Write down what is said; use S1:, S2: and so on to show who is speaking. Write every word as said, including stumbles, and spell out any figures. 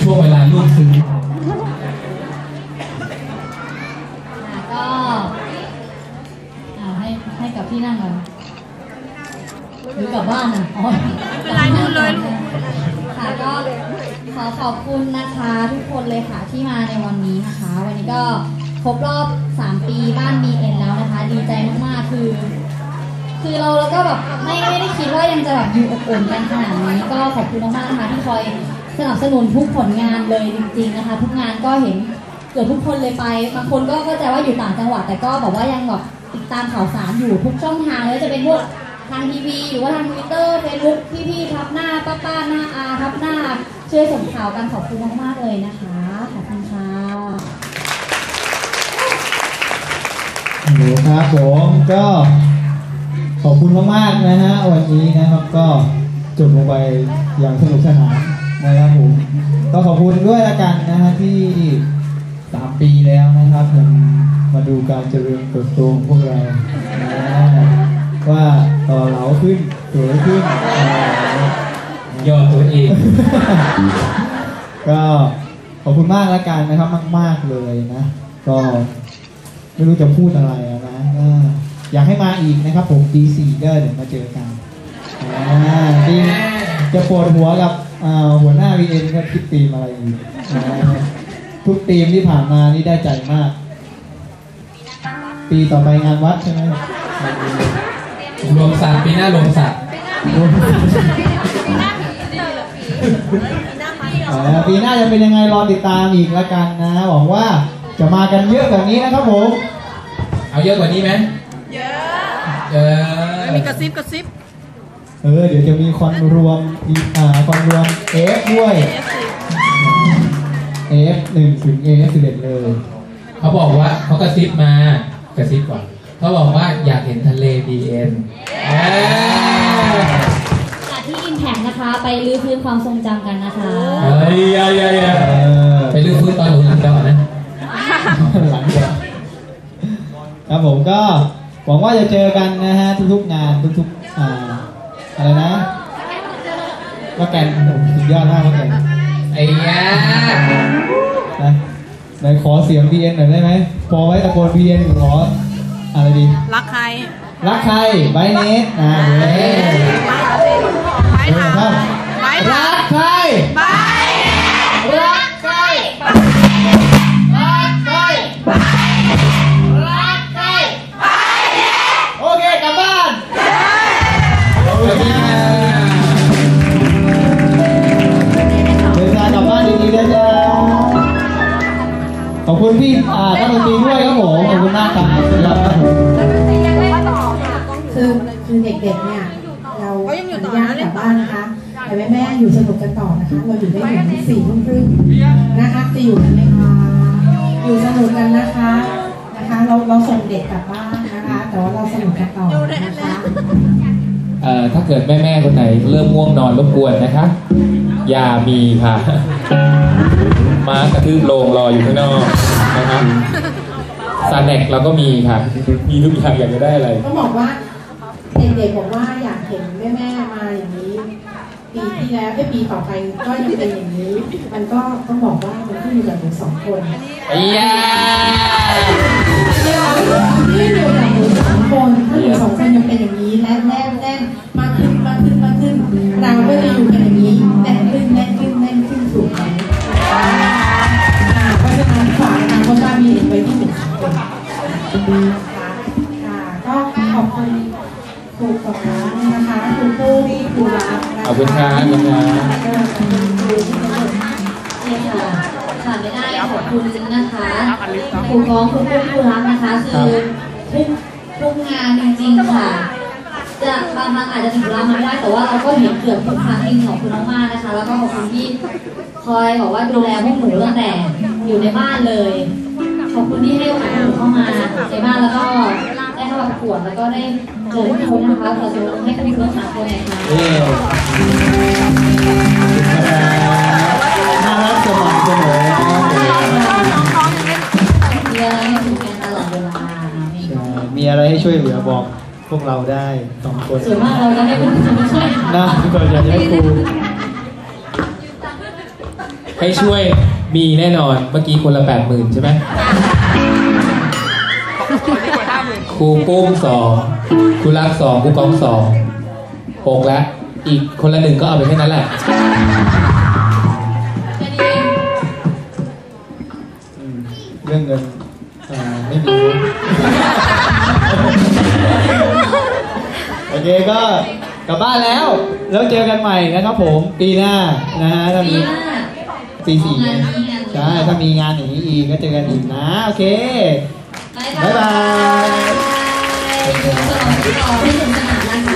S1: ช่วงเวลาลูกซึ้ง
S2: ก็ให้ให้กับพี่นั่งก่อนหรือกลับบ้านอ่ะอ๋อไม่เป็นไรพูดเลยค่ะก็ขอขอบคุณนะคะทุกคนเลยค่ะที่มาในวันนี้นะคะวันนี้ก็ครบรอบสามปีบ้าน บี เอ็น แล้วนะคะดีใจมากๆคือคือเราแล้วก็แบบไม่ไม่ได้คิดว่ายังจะแบบอยู่อบอุ่นกันขนาดนี้ก็ขอบคุณมากๆนะคะที่คอยสนับสนุนทุกผลงานเลยจริงๆนะคะทุกงานก็เห็นเกือบทุกคนเลยไปบางคนก็เข้าใจว่าอยู่ต่างจังหวัดแต่ก็บอกว่ายังแบบติดตามข่าวสารอยู่ทุกช่องทางเลยจะเป็นพวกทางทีวีหรือว่าทางทวิตเตอร์เฟซบุ๊กพี่ๆทับหน้าป้าป้าหน้าอาทับหน้าช่วยส่งข่าวกันขอบคุณมากๆเลยนะคะขอบคุณค่ะ
S3: หนูครับผมก็ขอบคุณมากๆนะฮะวันนี้นะครับก็จบลงไปอย่างสนุกสนานนะครับผมก็ขอบคุณด้วยละกันนะฮะที่สามปีแล้วนะครับยังมาดูการเจริญเติบโตของพวกเราว่าต่อเหลาขึ้นสวยขึ้น
S1: ย่อตัวเอง
S3: ก็ขอบคุณมากละกันนะครับมากๆเลยนะก็ไม่รู้จะพูดอะไรนะอยากให้มาอีกนะครับผมปีสี่ก็เดี๋ยวมาเจอกันจริงจะปวดหัวกับหัวหน้า วี เอ็น ก็คิดธีมอะไรอีกทุกธีมที่ผ่านมานี่ได้ใจมากปีต่อไปงานวัดใช่ไหม
S1: รวมสัตว์ปีหน้ารวมสัตว์
S3: ปีหน้าจะเป็นยังไงรอติดตามอีกละกันนะหวังว่าจะมากันเยอะแบบนี้นะครับผม
S1: เอาเยอะกว่านี้ไหม
S4: เยอะ
S1: เยอะ
S4: มีกระซิบกระซิบ
S3: เออเดี๋ยวจะมีคอนรวมอ่าคอนรวม เอฟ ด้วย เอฟ หนึ่ง ถึง เอฟ สิบเอ็ดเลย
S1: เขาบอกว่าเขากระซิบมากระซิบก่อนเขาบอกว่าอยากเห็นทะเล บี เอ็น
S2: จากที่ Impact นะคะไปรื้อฟื้นความทรงจำกันนะคะ
S1: เฮ้ยเฮ้ยไปรื้อฟื้นตอนหนูหลังดอนะ
S3: หลังดอครับผมก็หวังว่าจะเจอกันนะฮะทุกๆงานทุกๆอ่าอะไรนะว่าแกนสุดยอดมากว่าแกน
S1: ไอ้ยา
S3: นะไหนขอเสียง บี เอ็น หน่อยได้ไหมพอไว้ตะโกน บี เอ็น ขออะไรดี
S4: รักใคร
S3: รักใครไบเนสนะเฮ้ย
S4: ไปถาม
S3: ไปรักใคร
S4: ไป
S3: รักใครรักใครรักใครโอเคกลับบ้านเดินทางกลับบ้านดีๆนะจ๊ะขอบคุณพี่อ่าท่านดนตรีด้วยครับผมขอบคุณมากครับ
S5: คือคือเด็กๆเนี่ยเราอนุญาตกลับบ้านนะคะแต่แม่แม่อยู่สนุกกันต่อนะคะเราอยู่ได้ถึงสี่ทุ่มครึ่งนะคะจะอยู่กันไหมคะอยู่สนุกกันนะคะนะคะเราเราส่งเด็กกลับบ้านนะคะแต่ว่าเราสนุกกันต่อนะคะ
S1: เอ่อถ้าเกิดแม่ๆคนไหนเริ่มง่วงนอนรบกวนนะคะอย่ามีค่ะม้ากระทืบโลงรออยู่ข้างนอกนะครับซาเน็กเราก็มีค่ะมีทุกอย่างอยากจะได้อะไร
S5: ก็บอกว่าเด็กๆบอกว่าอยากเห็นแม่ๆมาอย่างนี้ปีที่แล้วไอ้ปีต่อไปก็ยังเป็นอย่างนี้มันก็ต้องบอกว่ามันขึ้นอยู่กับหนูสองคน
S1: ไอ้ยา
S5: ที่อยู่กับหนูสองคนถ้าหนูสองคนยังเป็นอย่างนี้แน่นแน่นแน่นมากขึ้นมากขึ้นมากขึ้นเราก็จะอยู่กันอย่างนี้แน่นขึ้นแน่นขึ้นแน่นขึ้นถูกไหมเพราะฉะนั้นฝากนะเพราะว่ามีเด็กไปที่หนึ่งสองคนค่ะก็ขอบคุณครูสอนนะคะครูปุ้ยครูรัก
S1: ขอบคุณครับขอบคุณครับ
S2: นี่ค่ะขาดไม่ได้ขอบคุณนะคะครูฟ้องครูปุ้ยครูรักนะคะคือทุกทุกงานจริงๆค่ะจะบางครั้งอาจจะถึงเวลาไม่ได้แต่ว่าเราก็เห็นเกือบทุกครั้งจริงขอบคุณมากๆนะคะแล้วก็ขอบคุณที่คอยบอกว่าดูแลพวกหนูตั้งแต่อยู่ในบ้านเลยขอบคุณที่ให้โอกาสหนูเข้ามาในบ้านแล้วก็ได้เข้ามาประกวดแล้วก็ได้เจอทุกคนนะคะขอเชิญให้คุณทั้งสามคนเลยค่ะ
S3: น่ารักสม่ำเสมอ
S2: มีอะไรให้คุยกันตลอดเวลา
S3: มีอะไรให้ช่วยเหลือบอกพวกเราได้สองคน
S2: ส่วนมากเราจะให้คุณช่วย
S3: นะทุกคนอยากให้ครู
S1: ใให้ช่วยมีแน่นอนเมื่อกี้คนละแปดหมื่นใช่ไหมครูปุ้มสองครูรักสองครูกองสองหกแล้วอีกคนละหนึ่งก็เอาไปแค่นั้นแหละ
S2: แค่นี้เอง
S3: อืมเรื่องเงินอ่าไม่มี โอเคก็กลับบ้านแล้ว แล้วเจอกันใหม่นะครับผมปีหน้านะฮะถ้า
S2: ปี
S3: มี
S2: หน้า
S3: ปีสี่
S2: งานนี้งานนี้
S3: ใช่ถ้ามีงานอย่างนี้อีกก็เจอกันอีกนะโอเค
S2: บ๊ายบาย
S3: บ๊ายบาย
S2: อยู่สนองที่รอให้สนุกสนานนะคะ